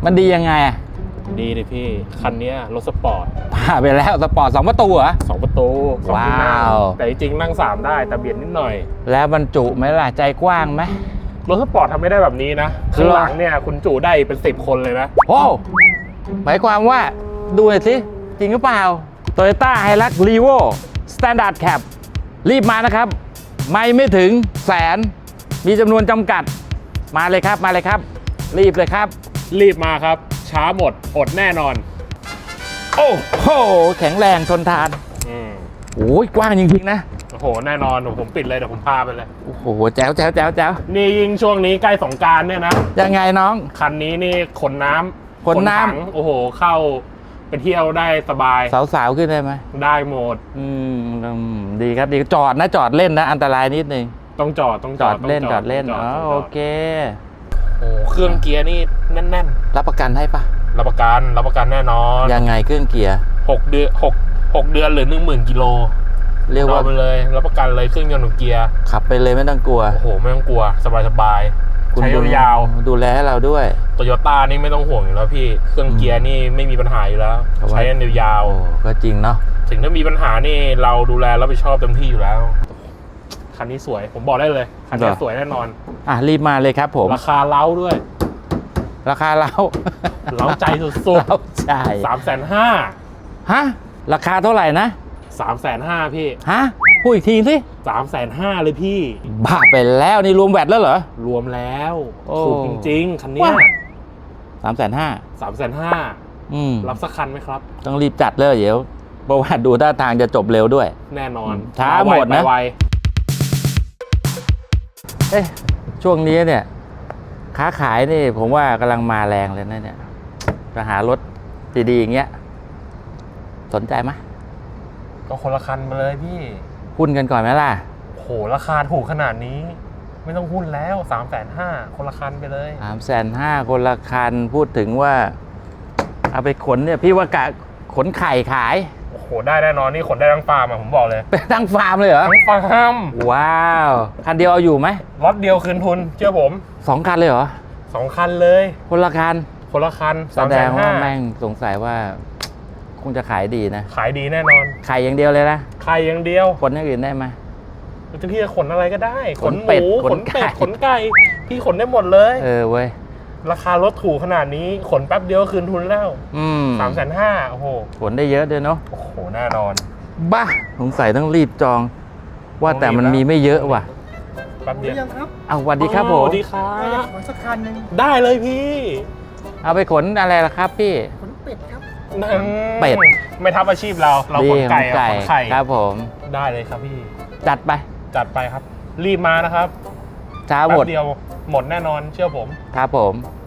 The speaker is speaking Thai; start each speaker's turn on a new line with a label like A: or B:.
A: มันดียังไงอะ
B: ดีเลยพี่คันนี้รถสปอร์ต
A: ผ่าไปแล้วสปอร์ต2 ประตูเหรอ
B: 2 ประตู
A: ว้าว
B: แต่จริงๆนั่ง3ได้แต่เบียดนิดหน่อย
A: แล้วบรรจุไหมล่ะใจกว้างไหม
B: รถสปอร์ตทำไม่ได้แบบนี้นะข้างหลังเนี่ยคุณจุได้เป็น10 คนเลยนะ
A: โอ้หมายความว่าดูหน่อยสิจริงหรือเปล่า Toyota Hilux Revo Standard Cab รีบมานะครับไม่ถึงแสนมีจำนวนจำกัดมาเลยครับมาเลยครับรีบเลยครับ
B: รีบมาครับช้าหมดอดแน่นอน
A: โอ้โหแข็งแรงทนทานโอ้ยกว้างจริงๆนะ
B: โอ้โหแน่นอนผมปิดเลยเดี๋ยวผมพาไปเลย
A: โอ้โหแจ๋ว
B: นี่ยิ่งช่วงนี้ใกล้สงกรานต์เนี่ยนะ
A: ยังไงน้อง
B: คันนี้นี่ขนน้ำโอ้โหเข้าไปเที่ยวได้สบาย
A: สาวๆขึ้นได้ไหม
B: ได้หมด
A: ดีครับดีจอดนะจอดเล่นนะอันตรายนิดนึง
B: ต้องจอด
A: เล่นอ๋อโอเค
B: โอ้เครื่องเกียร์นี่แน่น
A: ๆรับประกันให้ปะ
B: รับประกันแน่นอน
A: ยังไงเครื่องเกียร์
B: 6 เดือนหรือ 10,000 กิโล
A: เรียกว่า
B: ไปเลยรับประกันเลยเครื่องยนต์เกียร์
A: ขับไปเลยไม่ต้องกลัว
B: โอ้โหไม่ต้องกลัวสบายใช้ยาว
A: ๆดูแลให้เราด้วย
B: Toyota นี่ไม่ต้องห่วงอยู่แล้วพี่เครื่องเกียร์นี่ไม่มีปัญหาอยู่แล้วใช้ยาว
A: ๆก็จริงเนาะ
B: ถึงถ้ามีปัญหานี่เราดูแลรับผิดชอบเต็มที่อยู่แล้วคันนี้สวยผมบอกได้เลยคันนี้สวยแน่นอน
A: รีบมาเลยครับผม
B: ราคาเล้าด้วย
A: ราคาเล้า
B: ใจสุดๆเล้าใจ
A: 350,000ฮะราคาเท่าไหร่นะ
B: 350,000พี่
A: ฮะพูดอีกทีสิ
B: 350,000เลยพี่
A: บ้าไปแล้วนี่รวมแวตแล้วเหรอ
B: รวมแล้วถูกจริงๆคันนี้
A: 350,000
B: รับสักคันไหมครับ
A: ต้องรีบจัดเลยเดี๋ยวเพราะว่าดูท่าทางจะจบเร็วด้วย
B: แน่นอน
A: ช้าหมดนะช่วงนี้เนี่ยค้าขายนี่ผมว่ากำลังมาแรงเลยนะเนี่ยจะหารถดีๆอย่างเงี้ยสนใจไหม
B: ก็คนละคันมาเลยพี่
A: หุ้นกันก่อนไหมล่ะ
B: โหราคาถูกขนาดนี้ไม่ต้องหุ้นแล้ว350,000คนละคันไปเลย
A: 350,000คนละคันพูดถึงว่าเอาไปขนเนี่ยพี่ว่ากะขนไข่ขาย
B: โอ้โหได้แน่นอนนี่ขนได้ทั้งฟาร์มผมบอกเลย
A: เป็นทั้งฟาร์มเลยเหรอ
B: ทั้งฟาร์ม
A: ว้าวคันเดียวเอาอยู่ไหม
B: ล็อตเดียวคืนทุนเชื่อผม
A: 2 คันเลยเหรอ
B: 2 คันเลย
A: คนละคันแสดงว่าแม่งสงสัยว่าคงจะขายดีนะ
B: ขายดีแน่นอน
A: ไข่อย่างเดียวเลยนะ
B: ไข่อย่างเดียว
A: ขนอย่างอื่นได้ไหม
B: พี่จะขนอะไรก็ได้ขนหมูขนเป็ดขนไก่พี่ขนได้หมดเลย
A: เว้ย
B: ราคารถถูกขนาดนี้ขนแป๊บเดียวคืนทุนแล้ว350,000โอ้โห
A: ขนได้เยอะด้วยเนาะ
B: โอ้โหแน่นอน
A: บ้าสงสัยต้องรีบจองว่าแต่มันมีไม่เยอะว่ะ
B: แป๊บเดียว
A: สวัสดีครับผม
B: สวัสดีครับ
C: ขนสักคันหนึ่ง
B: ได้เลยพี่
A: เอาไปขนอะไรล่ะครับพี่
C: ขนเป็ดครับ
A: เป็ด
B: ไม่ทับอาชีพเราขนไก่ขนไข่
A: ครับผม
B: ได้เลยครับพี่
A: จัดไป
B: ครับรีบมานะครับ
A: ช้าหมด
B: เดียวหมดแน่นอนเชื่อผม
A: ครับผม